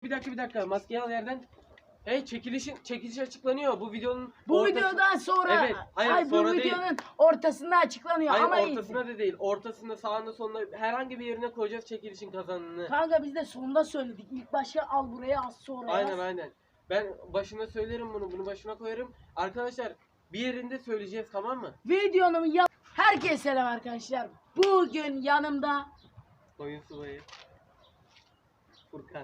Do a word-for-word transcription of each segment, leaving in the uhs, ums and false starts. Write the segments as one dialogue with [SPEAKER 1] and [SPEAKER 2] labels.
[SPEAKER 1] Bir dakika bir dakika maskeyi al yerden. Hey çekilişin çekiliş açıklanıyor bu videonun
[SPEAKER 2] Bu
[SPEAKER 1] ortası...
[SPEAKER 2] videodan sonra
[SPEAKER 1] Evet, hayır,
[SPEAKER 2] ay,
[SPEAKER 1] sonra
[SPEAKER 2] bu
[SPEAKER 1] değil.
[SPEAKER 2] videonun ortasında açıklanıyor
[SPEAKER 1] Hayır
[SPEAKER 2] ama
[SPEAKER 1] ortasına da değil. Ortasında sağında sonunda herhangi bir yerine koyacağız çekilişin kazananını.
[SPEAKER 2] kanka biz de sonunda söyledik. İlk başta al buraya az sonra
[SPEAKER 1] Aynen
[SPEAKER 2] yaz.
[SPEAKER 1] aynen. Ben başına söylerim bunu. Bunu başına koyarım. Arkadaşlar bir yerinde söyleyeceğiz tamam mı?
[SPEAKER 2] Videonun ya herkese selam arkadaşlar. Bugün yanımda
[SPEAKER 1] Oyun subayı. Furkan.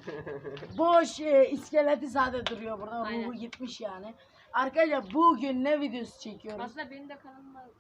[SPEAKER 2] boş e, iskeleti sade duruyor burada.
[SPEAKER 3] Aynen.
[SPEAKER 2] Ruhu gitmiş yani. Arkadaşlar bugün ne videosu çekiyoruz?
[SPEAKER 3] Aslında benim de kanalım var.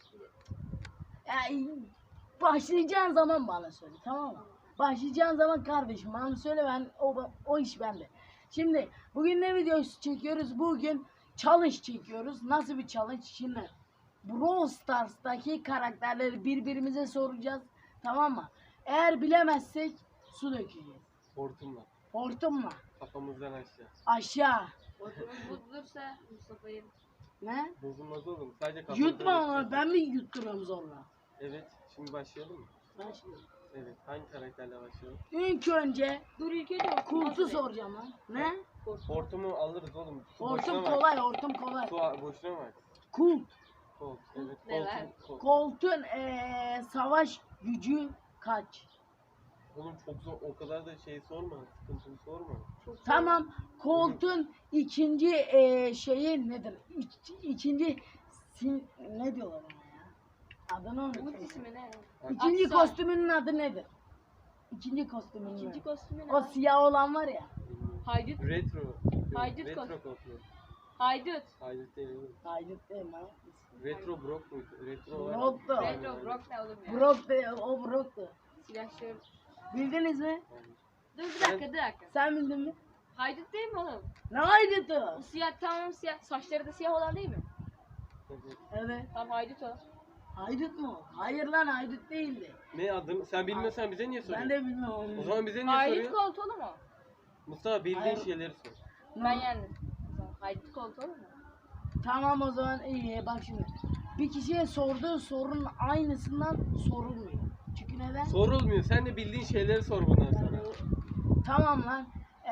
[SPEAKER 2] Yani, başlayacağın zaman bana söyle tamam mı? Başlayacağın zaman kardeşim bana söyle, ben o, o iş bende. Şimdi bugün ne videosu çekiyoruz? Bugün challenge çekiyoruz. Nasıl bir challenge? Şimdi Brawl Stars'taki karakterleri birbirimize soracağız. Tamam mı? Eğer bilemezsek su dökeceğiz.
[SPEAKER 1] Hortumla.
[SPEAKER 2] Hortumla.
[SPEAKER 1] Kafamızdan aşağı.
[SPEAKER 2] Aşağı.
[SPEAKER 3] Ortamız bozulursa Mustafa'yı
[SPEAKER 2] Ne?
[SPEAKER 1] Bozulmaz oğlum. Sadece kafamızdan
[SPEAKER 2] Yutma
[SPEAKER 1] aşağı.
[SPEAKER 2] onu. Ben mi yutturuyorum zorla?
[SPEAKER 1] Evet. Şimdi başlayalım mı?
[SPEAKER 2] Ben şimdi.
[SPEAKER 1] Evet. Hangi karakterle başlayalım?
[SPEAKER 2] İlk önce
[SPEAKER 3] dur ilk önce
[SPEAKER 2] Kultu soracağım lan. Ne?
[SPEAKER 1] Hortumu alırız oğlum. Su
[SPEAKER 2] Hortum
[SPEAKER 1] boşuna var.
[SPEAKER 2] kolay, hortum kolay.
[SPEAKER 1] Su a- boşuna var.
[SPEAKER 2] Kult.
[SPEAKER 1] Kolt. Evet.
[SPEAKER 3] Ne var?
[SPEAKER 1] Koltuğun- Kolt.
[SPEAKER 2] Koltuğun eee, savaş gücü kaç?
[SPEAKER 1] Oğlum çok zor. O kadar da şey sorma. Sıkıntılı sorma.
[SPEAKER 3] çok
[SPEAKER 2] Tamam. Koltuğun ikinci eee, şeyi nedir? İk, ikinci sin, ne diyorlar ona ya? Adını
[SPEAKER 3] Umut
[SPEAKER 2] unuttum.
[SPEAKER 3] ismi ne?
[SPEAKER 2] İkinci
[SPEAKER 3] Aksa.
[SPEAKER 2] kostümünün adı nedir? İkinci kostümünün
[SPEAKER 3] İkinci
[SPEAKER 2] adı.
[SPEAKER 3] kostümü ne?
[SPEAKER 2] O siyah olan var ya.
[SPEAKER 3] Haydut.
[SPEAKER 1] Retro. Yok,
[SPEAKER 3] Haydut
[SPEAKER 1] Retro
[SPEAKER 3] kol-
[SPEAKER 1] koltuğu.
[SPEAKER 3] Haydut.
[SPEAKER 1] Haydut değil oğlum.
[SPEAKER 2] Haydut değil mi?
[SPEAKER 1] Retro Brock muydu? Retro var.
[SPEAKER 2] Brock'tu.
[SPEAKER 3] Retro Brock ne oğlum ya?
[SPEAKER 2] Brock de, o Brock'tu.
[SPEAKER 3] Silahşör.
[SPEAKER 2] Bildiniz mi?
[SPEAKER 3] Dur bir dakika bir dakika.
[SPEAKER 2] Sen bildin mi?
[SPEAKER 3] Haydut değil mi oğlum?
[SPEAKER 2] Ne Haydut'u?
[SPEAKER 3] O siyah tamam siyah. Saçları da siyah olan değil mi?
[SPEAKER 1] Evet.
[SPEAKER 2] Evet.
[SPEAKER 3] Tamam Haydut o.
[SPEAKER 2] Haydut mu? Hayır lan, Haydut değildi.
[SPEAKER 1] Ne adını? Sen bilmiyorsan bize niye
[SPEAKER 2] Ben
[SPEAKER 1] soruyorsun?
[SPEAKER 2] de bilmiyorum.
[SPEAKER 1] O zaman bize niye
[SPEAKER 3] Haydut
[SPEAKER 1] soruyor?
[SPEAKER 3] koltuğu oğlum o.
[SPEAKER 1] Mustafa bildiğin
[SPEAKER 2] Hayır.
[SPEAKER 1] şeyleri sor.
[SPEAKER 3] Ben yendim. O zaman Haydut koltuğu oğlum mu?
[SPEAKER 2] Tamam o zaman iyi, bak şimdi. Bir kişiye sorduğu sorunun aynısından sorulmuyor. Çünkü neden?
[SPEAKER 1] Sorulmuyor. Sen de bildiğin şeyleri sor bundan sonra.
[SPEAKER 2] Tamam lan.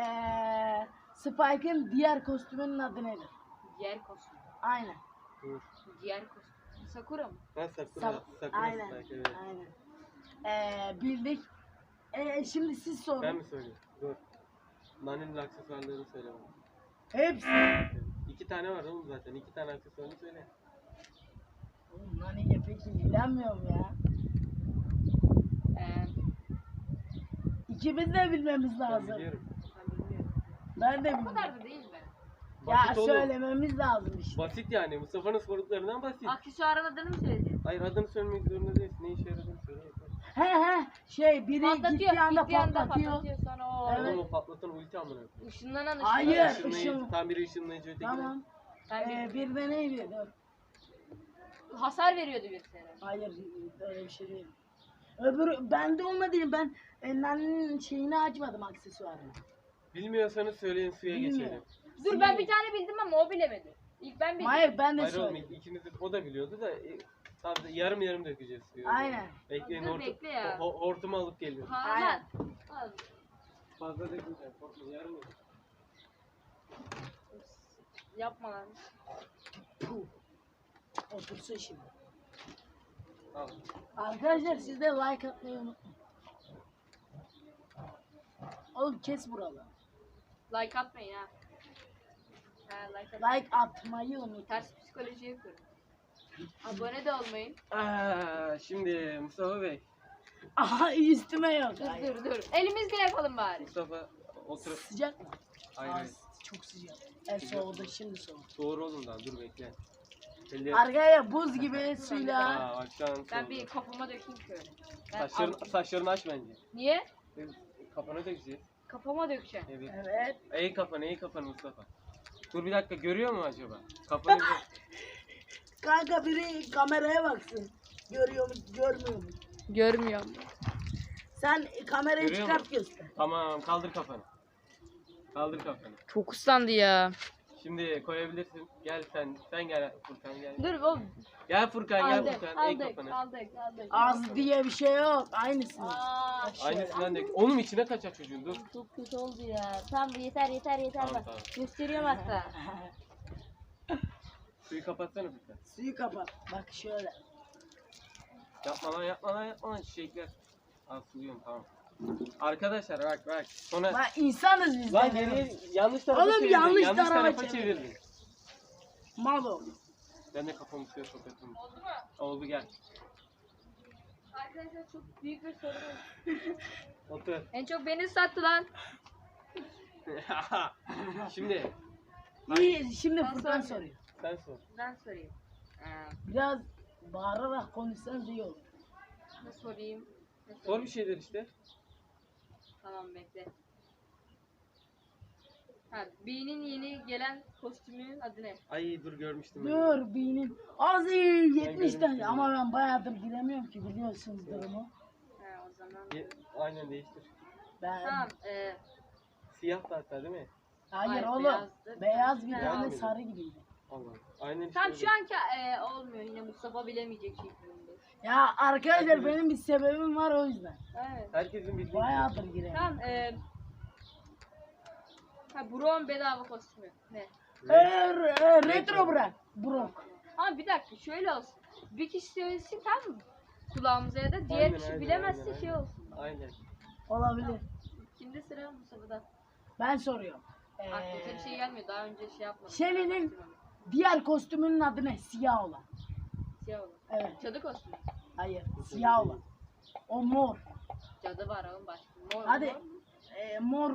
[SPEAKER 2] Ee, Spike'ın diğer kostümünün adı nedir?
[SPEAKER 3] Diğer kostüm.
[SPEAKER 2] Aynen.
[SPEAKER 1] Dur.
[SPEAKER 3] Diğer kostüm. Sakura mı?
[SPEAKER 1] Ben Sakura.
[SPEAKER 2] Sa-
[SPEAKER 1] Sakura
[SPEAKER 2] aynen.
[SPEAKER 1] Spike, evet.
[SPEAKER 2] Aynen. Ee, bildik. Ee, şimdi siz sorun.
[SPEAKER 1] Ben mi söyleyeyim? Dur. Nani'nin aksesuarlarını söyle bana.
[SPEAKER 2] Hepsi.
[SPEAKER 1] Evet. İki tane var oğlum zaten. İki tane aksesuarını söyle.
[SPEAKER 2] Oğlum lan iyi, peki bilemiyorum ya.
[SPEAKER 3] Eee
[SPEAKER 2] İkimiz de bilmemiz
[SPEAKER 1] Ben
[SPEAKER 2] lazım.
[SPEAKER 1] biliyorum.
[SPEAKER 3] ben bilmiyorum.
[SPEAKER 2] Ben de
[SPEAKER 3] O
[SPEAKER 2] bilmiyorum.
[SPEAKER 3] kadar da değil be.
[SPEAKER 2] Ya
[SPEAKER 1] Basit oğlum.
[SPEAKER 2] söylememiz lazım işte.
[SPEAKER 1] Basit yani. Mustafa'nın sorduklarından basit.
[SPEAKER 3] Aksesuarın adını mı söyledin?
[SPEAKER 1] Hayır adını söylemek zorunda değilsin. Ne işe yaradığını söyle yeter.
[SPEAKER 2] He he, şey biri
[SPEAKER 3] Patlatıyor.
[SPEAKER 2] gittiği anda
[SPEAKER 3] gittiği anda
[SPEAKER 2] patlatıyor.
[SPEAKER 3] patlatıyor sonra o.
[SPEAKER 2] Evet.
[SPEAKER 1] Oğlum o patlatan ulti amına koyayım.
[SPEAKER 3] Işınlanan ışınlanan.
[SPEAKER 2] Hayır.
[SPEAKER 1] Işınlayıcı,
[SPEAKER 2] ışın-
[SPEAKER 1] tam biri ışınlayıcı öteki de-
[SPEAKER 2] Tamam.
[SPEAKER 3] Ben
[SPEAKER 2] Ee,
[SPEAKER 3] bir,
[SPEAKER 2] bir de neydi? Dur.
[SPEAKER 3] hasar veriyordu bir sene.
[SPEAKER 2] Hayır, öyle bir şey değil. Öbürü bende olmadı, ben e, Nani'nin şeyini açmadım, aksesuarını.
[SPEAKER 1] Bilmiyorsanız söyleyin suya
[SPEAKER 2] Bilmiyorum.
[SPEAKER 1] geçelim.
[SPEAKER 3] Dur ben bir tane bildim ama o bilemedi. İlk ben bildim.
[SPEAKER 2] Hayır, ben de
[SPEAKER 1] Hayır oğlum
[SPEAKER 2] söyledim.
[SPEAKER 1] ikiniz de o da biliyordu da e, sadece yarım yarım dökeceğiz suyu.
[SPEAKER 2] Aynen.
[SPEAKER 1] Bekleyin
[SPEAKER 3] Dur,
[SPEAKER 1] hortum,
[SPEAKER 3] bekle ya.
[SPEAKER 1] ho- hortumu alıp geliyorum.
[SPEAKER 3] Ha
[SPEAKER 2] Aynen.
[SPEAKER 3] lan. Al.
[SPEAKER 1] Fazla dökmeyeceğim. Korkma yarım yarım.
[SPEAKER 3] Yapma lan.
[SPEAKER 2] Puh. Otursun şimdi.
[SPEAKER 1] Al.
[SPEAKER 2] Arkadaşlar siz de like atmayı unutmayın. Oğlum kes buraları.
[SPEAKER 3] Like atmayın ha. Ha like atmayın.
[SPEAKER 2] Like atmayı unutmayın.
[SPEAKER 3] Ters psikoloji yapıyorum. Abone de olmayın.
[SPEAKER 1] Aa, şimdi Mustafa Bey.
[SPEAKER 2] Aha, üstüme yok.
[SPEAKER 3] Dur
[SPEAKER 2] Hayır.
[SPEAKER 3] dur dur. Elimizle yapalım bari.
[SPEAKER 1] Mustafa otur.
[SPEAKER 2] Sıcak mı?
[SPEAKER 1] Hayır
[SPEAKER 2] Aa,
[SPEAKER 1] hayır.
[SPEAKER 2] çok sıcak. E soğudu, şimdi soğudu.
[SPEAKER 1] Doğru oğlum daha dur bekle. Elleri...
[SPEAKER 2] Arkaya buz gibi suyla.
[SPEAKER 1] Aa bak şu an
[SPEAKER 3] Ben
[SPEAKER 1] soğudu.
[SPEAKER 3] bir kafama dökeyim şöyle. Ben
[SPEAKER 1] Saçlarını,
[SPEAKER 3] al-
[SPEAKER 1] saçlarını aç bence.
[SPEAKER 3] Niye?
[SPEAKER 1] Kafana dökeceğiz.
[SPEAKER 3] Kafama dökeceğim.
[SPEAKER 1] Evet.
[SPEAKER 2] Evet.
[SPEAKER 1] Eğ kafanı, eğ kafanı Mustafa. Dur bir dakika görüyor mu acaba? Kafanı
[SPEAKER 2] Kanka biri kameraya baksın. Görüyor mu, görmüyor mu?
[SPEAKER 3] Görmüyorum.
[SPEAKER 2] Sen kamerayı
[SPEAKER 1] Görüyor
[SPEAKER 2] çıkart
[SPEAKER 1] mu?
[SPEAKER 2] göster.
[SPEAKER 1] Tamam kaldır kafanı. Kaldır kafanı.
[SPEAKER 3] Çok ıslandı ya.
[SPEAKER 1] Şimdi koyabilirsin. Gel sen. Sen gel Furkan gel.
[SPEAKER 3] Dur oğlum.
[SPEAKER 1] Gel Furkan gel
[SPEAKER 3] Aldık,
[SPEAKER 1] Furkan. Ek
[SPEAKER 3] aldık,
[SPEAKER 1] kafanı.
[SPEAKER 3] aldık, aldık.
[SPEAKER 2] Az diye bir şey yok. Aynısını.
[SPEAKER 3] Aa,
[SPEAKER 1] Aynısından dök. Onun içine kaçacak çocuğun dur.
[SPEAKER 3] çok kötü oldu ya. Tamam yeter yeter yeter
[SPEAKER 1] Tamam,
[SPEAKER 3] bak.
[SPEAKER 1] tamam.
[SPEAKER 3] Gösteriyorum hatta.
[SPEAKER 1] Suyu kapatsana Furkan.
[SPEAKER 2] Suyu kapat. Bak şöyle.
[SPEAKER 1] Yapma lan yapma lan yapma lan çiçekler. Al suluyorum tamam. Arkadaşlar bak bak. Sonra
[SPEAKER 2] Bak insanız biz.
[SPEAKER 1] lan
[SPEAKER 2] de.
[SPEAKER 1] geriye yanlış tarafa
[SPEAKER 2] Oğlum,
[SPEAKER 1] çevirdin.
[SPEAKER 2] yanlış
[SPEAKER 1] yanlış
[SPEAKER 2] tarafa
[SPEAKER 1] tarafa
[SPEAKER 2] çevirdin.
[SPEAKER 1] çevirdin.
[SPEAKER 2] Mal ol.
[SPEAKER 1] Ben de kafamı suya sokattım.
[SPEAKER 3] Oldu mu?
[SPEAKER 1] Oldu gel.
[SPEAKER 3] Arkadaşlar çok büyük bir sorun oldu.
[SPEAKER 1] Otur.
[SPEAKER 3] En çok beni sattı lan.
[SPEAKER 1] Şimdi
[SPEAKER 2] İyi, şimdi
[SPEAKER 3] Ben
[SPEAKER 2] Furkan
[SPEAKER 3] sormuyorum.
[SPEAKER 2] soruyor.
[SPEAKER 1] sen sor.
[SPEAKER 3] Ben sorayım. Ee,
[SPEAKER 2] Biraz bağırarak konuşsanız iyi olur.
[SPEAKER 3] ne sorayım? Ne
[SPEAKER 1] Sor
[SPEAKER 3] sorayım?
[SPEAKER 1] bir şeyler işte.
[SPEAKER 3] Tamam bekle. Ha, B'nin yeni gelen kostümünün adı ne?
[SPEAKER 1] Ay dur görmüştüm. ben.
[SPEAKER 2] Dur benim. Az iyi yetmiş tane
[SPEAKER 1] görmüştüm.
[SPEAKER 2] ama ben bayağıdır giremiyorum ki biliyorsunuz durumu.
[SPEAKER 3] Ha, o zaman.
[SPEAKER 1] Ye- Aynen değiştir.
[SPEAKER 2] Ben
[SPEAKER 3] Tamam. E,
[SPEAKER 1] Siyah da hatta değil mi?
[SPEAKER 2] hayır
[SPEAKER 3] Hayır,
[SPEAKER 2] oğlum.
[SPEAKER 3] beyazdı.
[SPEAKER 2] Beyaz bir
[SPEAKER 3] Ha.
[SPEAKER 2] tane
[SPEAKER 1] Beyaz
[SPEAKER 2] sarı gibiydi.
[SPEAKER 1] Allah. Aynen işte.
[SPEAKER 3] tam
[SPEAKER 1] öyle.
[SPEAKER 3] şu anki e, olmuyor yine Mustafa bilemeyecek şeklinde.
[SPEAKER 2] Ya arkadaşlar
[SPEAKER 1] Herkes-
[SPEAKER 2] benim bir sebebim var o yüzden.
[SPEAKER 3] Evet.
[SPEAKER 1] Herkesin bildiği.
[SPEAKER 2] Bayağıdır giremiyorum.
[SPEAKER 3] Tamam. E, ha Brown bedava kostümü. Ne?
[SPEAKER 2] Ee, re- retro bırak. Brok.
[SPEAKER 3] Ama bir dakika şöyle olsun. Bir kişi söylesin tamam mı? Kulağımıza ya da diğer
[SPEAKER 1] Aynen,
[SPEAKER 3] kişi
[SPEAKER 1] aynen,
[SPEAKER 3] bilemezse
[SPEAKER 1] aynen,
[SPEAKER 3] şey
[SPEAKER 1] aynen.
[SPEAKER 3] olsun.
[SPEAKER 1] Aynen.
[SPEAKER 2] Olabilir.
[SPEAKER 3] Şimdi sıra Mustafa'da.
[SPEAKER 2] Ben soruyorum.
[SPEAKER 3] Aklıma bir
[SPEAKER 2] Ee,
[SPEAKER 3] şey gelmiyor. Daha önce şey yapmadım.
[SPEAKER 2] Shelly'nin diğer kostümünün adı ne? Siyah olan.
[SPEAKER 3] Siyah olan.
[SPEAKER 2] Evet.
[SPEAKER 3] Cadı kostümü.
[SPEAKER 2] Hayır. Siyah olan. O mor.
[SPEAKER 3] Cadı var oğlum başka. Mor,
[SPEAKER 2] Hadi.
[SPEAKER 3] mor.
[SPEAKER 2] Ee, mor.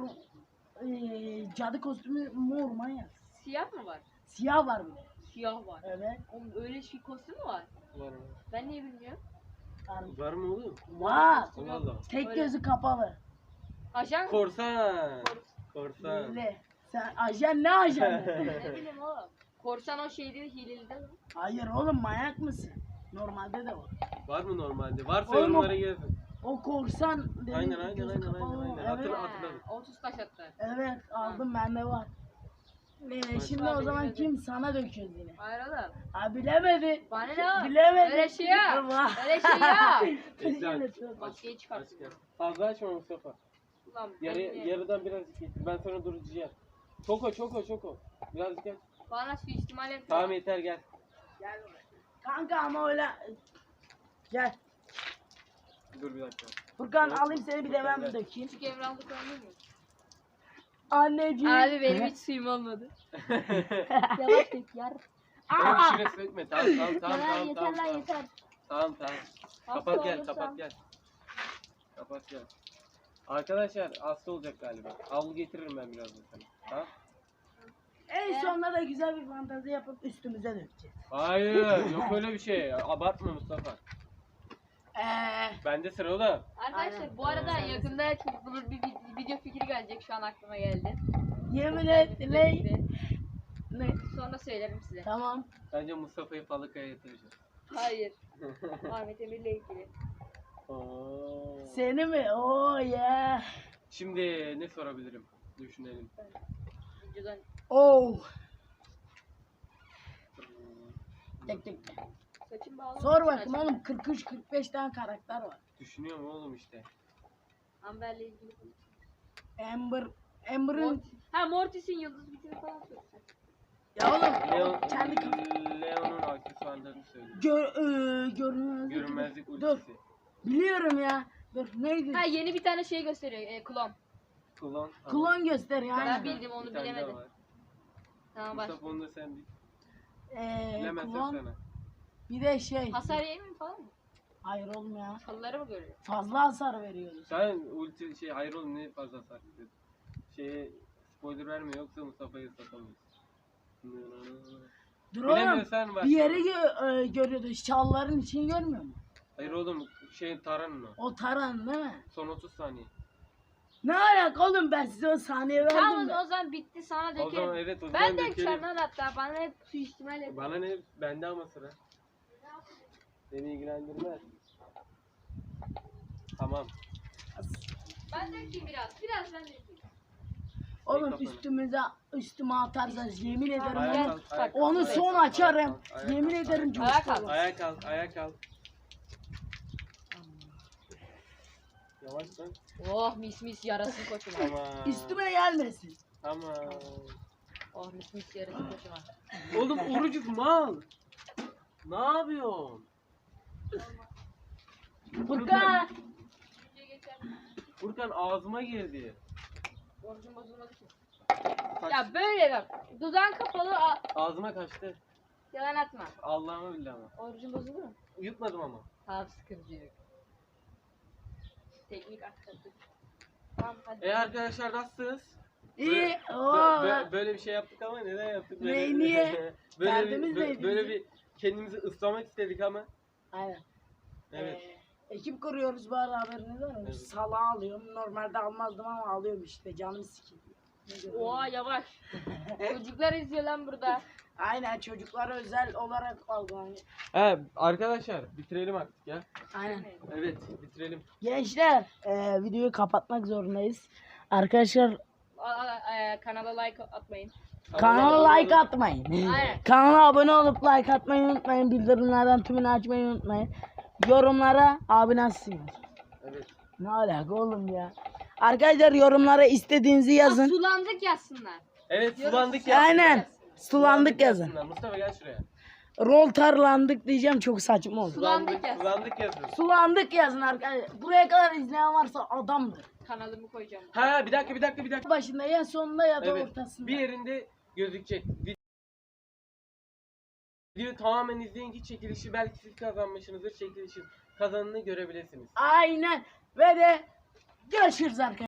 [SPEAKER 2] ee, cadı kostümü mor manyak.
[SPEAKER 3] Siyah mı var?
[SPEAKER 2] Siyah var bir de.
[SPEAKER 3] Siyah var.
[SPEAKER 2] Evet.
[SPEAKER 3] Oğlum öyle şey kostüm mü var?
[SPEAKER 1] Var mı?
[SPEAKER 3] Ben niye bilmiyorum?
[SPEAKER 2] Var.
[SPEAKER 1] Var mı oğlum?
[SPEAKER 2] Var.
[SPEAKER 1] Allah Allah.
[SPEAKER 2] Tek
[SPEAKER 3] Öyle.
[SPEAKER 2] gözü kapalı.
[SPEAKER 3] Ajan
[SPEAKER 1] Korsan. Korsan.
[SPEAKER 2] Öyle. Sen ajan ne ajanı?
[SPEAKER 3] ne bileyim oğlum. Korsan o şeydi hileli de.
[SPEAKER 2] Hayır oğlum manyak mısın? Normalde de var.
[SPEAKER 1] Var mı normalde? Varsa
[SPEAKER 2] Oğlum,
[SPEAKER 1] yorumlara yazın.
[SPEAKER 2] O korsan dediğin
[SPEAKER 1] Aynen, aynen,
[SPEAKER 2] gözü
[SPEAKER 1] aynen,
[SPEAKER 2] kapalı
[SPEAKER 1] aynen,
[SPEAKER 2] olan.
[SPEAKER 1] aynen.
[SPEAKER 2] Evet.
[SPEAKER 1] Hatırla-
[SPEAKER 3] Ha,
[SPEAKER 1] hatırladım.
[SPEAKER 3] otuz taş attı.
[SPEAKER 2] Evet aldım bende var. Ee, şimdi
[SPEAKER 3] Bak,
[SPEAKER 2] o zaman
[SPEAKER 3] bilemedi.
[SPEAKER 2] kim sana döküyoruz yine?
[SPEAKER 3] Hayır oğlum.
[SPEAKER 2] Ha bilemedi.
[SPEAKER 3] Bana ne oğlum?
[SPEAKER 2] Bilemedi.
[SPEAKER 3] Öyle şey ya.
[SPEAKER 2] Vah.
[SPEAKER 3] Öyle şey ya.
[SPEAKER 1] Ekran.
[SPEAKER 3] Maskeyi
[SPEAKER 1] Aç
[SPEAKER 3] çıkarttım.
[SPEAKER 1] gel. Fazla açma Mustafa.
[SPEAKER 3] Ulan
[SPEAKER 1] Yarı,
[SPEAKER 3] ben-
[SPEAKER 1] yarıdan birazcık getir. Ben sonra duracağım. Çoko çoko çoko. Birazcık gel.
[SPEAKER 3] Bana suistimal etme.
[SPEAKER 1] Tamam yeter gel.
[SPEAKER 2] Gel buraya. Kanka ama öyle. Gel.
[SPEAKER 1] Dur bir dakika.
[SPEAKER 2] Furkan
[SPEAKER 1] Evet.
[SPEAKER 2] alayım seni bir de ben
[SPEAKER 1] Gel.
[SPEAKER 2] dökeyim.
[SPEAKER 3] Küçük Emrah'da koyabilir miyim?
[SPEAKER 2] Anneciğim.
[SPEAKER 3] Abi benim hiç suyum olmadı. Yavaş dök yar.
[SPEAKER 1] Tamam
[SPEAKER 2] Aa!
[SPEAKER 1] içine sökme. Tamam tamam tamam
[SPEAKER 3] Yalan
[SPEAKER 1] tamam.
[SPEAKER 3] yeter
[SPEAKER 1] tamam,
[SPEAKER 3] lan
[SPEAKER 1] tamam.
[SPEAKER 3] yeter.
[SPEAKER 1] Tamam tamam.
[SPEAKER 3] Hasta
[SPEAKER 1] Kapat gel
[SPEAKER 3] olursam-
[SPEAKER 1] kapat gel. Kapat gel. Arkadaşlar hasta olacak galiba. Havlu getiririm ben birazdan sana. Tamam?
[SPEAKER 2] En sonunda da güzel bir fantezi yapıp üstümüze dökeceğiz.
[SPEAKER 1] Hayır yok öyle bir şey. Abartma Mustafa.
[SPEAKER 2] Eee.
[SPEAKER 1] Bende sıra oğlum.
[SPEAKER 3] Arkadaşlar
[SPEAKER 2] Aynen.
[SPEAKER 3] bu arada yakında çok bulur bir vid- video fikri gelecek şu an aklıma geldi.
[SPEAKER 2] Yemin et ne?
[SPEAKER 3] Fikri.
[SPEAKER 2] Ne?
[SPEAKER 3] Sonra söylerim size.
[SPEAKER 2] Tamam.
[SPEAKER 1] Bence Mustafa'yı Falıka'ya yatıracağız.
[SPEAKER 3] Hayır. Ahmet Emir'le ilgili.
[SPEAKER 1] Oo.
[SPEAKER 2] Seni mi? Oh yeah.
[SPEAKER 1] Şimdi ne sorabilirim? Düşünelim.
[SPEAKER 3] Videodan
[SPEAKER 2] Oh. Tek tek.
[SPEAKER 3] saçım bağlı.
[SPEAKER 2] Sor bakayım oğlum kırk üç kırk beş tane karakter var.
[SPEAKER 1] Düşünüyorum oğlum işte.
[SPEAKER 3] Amber'le ilgili.
[SPEAKER 2] Amber Amber'ın
[SPEAKER 3] Mortis. Ha Mortis'in yıldız bitimi falan söylesen.
[SPEAKER 2] ya oğlum
[SPEAKER 1] Leon,
[SPEAKER 2] kendi kafa-
[SPEAKER 1] Leon'un aksesuarlarını söyle.
[SPEAKER 2] gör e, görünmezlik.
[SPEAKER 1] Görünmezlik
[SPEAKER 2] Dur.
[SPEAKER 1] ultisi.
[SPEAKER 2] Biliyorum ya. Dur neydi?
[SPEAKER 3] Ha yeni bir tane şey gösteriyor. E, klon.
[SPEAKER 1] Klon.
[SPEAKER 2] Klon gösteriyor
[SPEAKER 3] Ben
[SPEAKER 2] aynen.
[SPEAKER 3] bildim onu
[SPEAKER 1] Bir tane daha
[SPEAKER 3] bilemedim.
[SPEAKER 1] var.
[SPEAKER 3] Tamam baş.
[SPEAKER 1] Mustafa onu da sen bil.
[SPEAKER 2] Ee,
[SPEAKER 1] Bilemezsen
[SPEAKER 2] klon
[SPEAKER 1] sana.
[SPEAKER 2] bir de şey.
[SPEAKER 3] Hasar yemiyor mu falan mı?
[SPEAKER 2] Hayır oğlum ya.
[SPEAKER 3] Çalıları mı görüyor?
[SPEAKER 2] Fazla hasar veriyoruz.
[SPEAKER 1] Sen ulti şey hayır oğlum ne fazla hasar veriyorsun. Şeye spoiler verme yoksa Mustafa'yı satamayız.
[SPEAKER 2] Dur oğlum.
[SPEAKER 1] Bilemiyorsan bak.
[SPEAKER 2] Bir yeri gö- e, görüyordu. Şalların içini görmüyor mu?
[SPEAKER 1] Hayır oğlum şey taranın o.
[SPEAKER 2] O taran değil mi?
[SPEAKER 1] Son otuz saniye.
[SPEAKER 2] Ne alaka oğlum ben size o saniye verdim
[SPEAKER 3] Tamam
[SPEAKER 2] de.
[SPEAKER 3] o zaman bitti sana
[SPEAKER 1] O zaman
[SPEAKER 3] dökerim.
[SPEAKER 1] evet o zaman
[SPEAKER 3] Ben de
[SPEAKER 1] dökelim.
[SPEAKER 3] dökeceğim lan hatta bana hep suistimal et.
[SPEAKER 1] Bana ne? Bende ama sıra. Beni ilgilendirmez. Tamam.
[SPEAKER 3] Ben dökeyim biraz. Biraz ben dökeyim.
[SPEAKER 2] Oğlum
[SPEAKER 1] kafanı.
[SPEAKER 2] üstümüze üstüme atarsanız yemin ederim
[SPEAKER 3] Ayağa
[SPEAKER 1] Ayağa
[SPEAKER 2] onu,
[SPEAKER 1] kalk,
[SPEAKER 3] Bak,
[SPEAKER 1] ayağa kalk,
[SPEAKER 2] onu
[SPEAKER 1] ayağa
[SPEAKER 2] son
[SPEAKER 1] kalk,
[SPEAKER 2] açarım.
[SPEAKER 1] ayağa kalk, ayağa
[SPEAKER 2] Yemin
[SPEAKER 1] kalk,
[SPEAKER 2] ederim
[SPEAKER 1] ayağa
[SPEAKER 3] Ayağa
[SPEAKER 2] coşku
[SPEAKER 3] kalk.
[SPEAKER 2] olur.
[SPEAKER 1] Ayağa kalk, ayağa kalk. Yavaş lan.
[SPEAKER 3] Oh mis mis yarasın koçuma.
[SPEAKER 1] Tamam.
[SPEAKER 2] Üstüme gelmesin.
[SPEAKER 1] Tamam.
[SPEAKER 3] Oh mis mis yarasın koçuma.
[SPEAKER 1] Oğlum orucuz mal. Ne yapıyorsun?
[SPEAKER 2] Furkan.
[SPEAKER 1] Furkan ağzıma girdi.
[SPEAKER 3] Orucum bozulmadı ki.
[SPEAKER 1] Kaç-
[SPEAKER 3] Ya böyle bak. Dudağın kapalı. a-
[SPEAKER 1] Ağzıma kaçtı.
[SPEAKER 3] Yalan atma.
[SPEAKER 1] Allah'ıma billahi ama.
[SPEAKER 3] Orucun bozuldu mu?
[SPEAKER 1] Yutmadım ama.
[SPEAKER 3] Tamam sıkıntı yok. Teknik aktardık. Tamam hadi.
[SPEAKER 1] E arkadaşlar nasılsınız?
[SPEAKER 2] İyi.
[SPEAKER 1] Bö-
[SPEAKER 2] Oo.
[SPEAKER 1] bö- böyle bir şey yaptık ama neden yaptık?
[SPEAKER 2] Ne-
[SPEAKER 1] Böyle,
[SPEAKER 2] niye?
[SPEAKER 1] böyle,
[SPEAKER 2] Derdimiz
[SPEAKER 1] bir, bö-
[SPEAKER 2] neydi
[SPEAKER 1] böyle
[SPEAKER 2] bizim?
[SPEAKER 1] bir kendimizi ıslamak istedik ama.
[SPEAKER 2] Aynen.
[SPEAKER 1] Evet.
[SPEAKER 2] Ee, ekip kuruyoruz bu ara, haberiniz var mı?
[SPEAKER 1] Evet.
[SPEAKER 2] Salağı alıyorum. Normalde almazdım ama alıyorum işte. Canım sıkılıyor. Ne diyorum?
[SPEAKER 3] Oha yavaş. Çocuklar izliyor lan burada.
[SPEAKER 2] Aynen, çocuklara özel olarak aldım. Hani.
[SPEAKER 1] He arkadaşlar bitirelim artık ya.
[SPEAKER 2] Aynen.
[SPEAKER 1] Evet bitirelim.
[SPEAKER 2] Gençler, e, videoyu kapatmak zorundayız. Arkadaşlar,
[SPEAKER 3] A- a- e, kanala like atmayın.
[SPEAKER 2] kanala
[SPEAKER 1] Abone
[SPEAKER 2] like
[SPEAKER 1] olun.
[SPEAKER 2] atmayın.
[SPEAKER 3] Aynen.
[SPEAKER 2] Kanala abone olup like atmayı unutmayın. Bildirimlerden tümünü açmayı unutmayın. Yorumlara abi nasılsınız?
[SPEAKER 1] Evet.
[SPEAKER 2] Ne alaka oğlum ya? Arkadaşlar yorumlara istediğinizi yazın.
[SPEAKER 3] Sulandık yazsınlar.
[SPEAKER 1] Evet
[SPEAKER 3] Yorum-
[SPEAKER 1] sulandık ya.
[SPEAKER 2] Aynen. Sulandık yazın.
[SPEAKER 1] yazsınlar. Mustafa gel şuraya.
[SPEAKER 2] Rol tarlandık diyeceğim, çok saçma olur.
[SPEAKER 3] Sulandık yazsın.
[SPEAKER 1] Sulandık yazın.
[SPEAKER 2] Sulandık yazın arkadaşlar. Buraya kadar izleyen varsa adamdır.
[SPEAKER 3] Kanalımı koyacağım.
[SPEAKER 1] Ha bir dakika bir dakika bir dakika.
[SPEAKER 2] Başında ya sonunda ya da
[SPEAKER 1] Evet.
[SPEAKER 2] ortasında.
[SPEAKER 1] Bir yerinde gözükecek. Videoyu tamamen izleyince çekilişi belki siz kazanmışsınızdır. Çekilişin kazanını görebilirsiniz.
[SPEAKER 2] Aynen. Ve de görüşürüz arkadaşlar.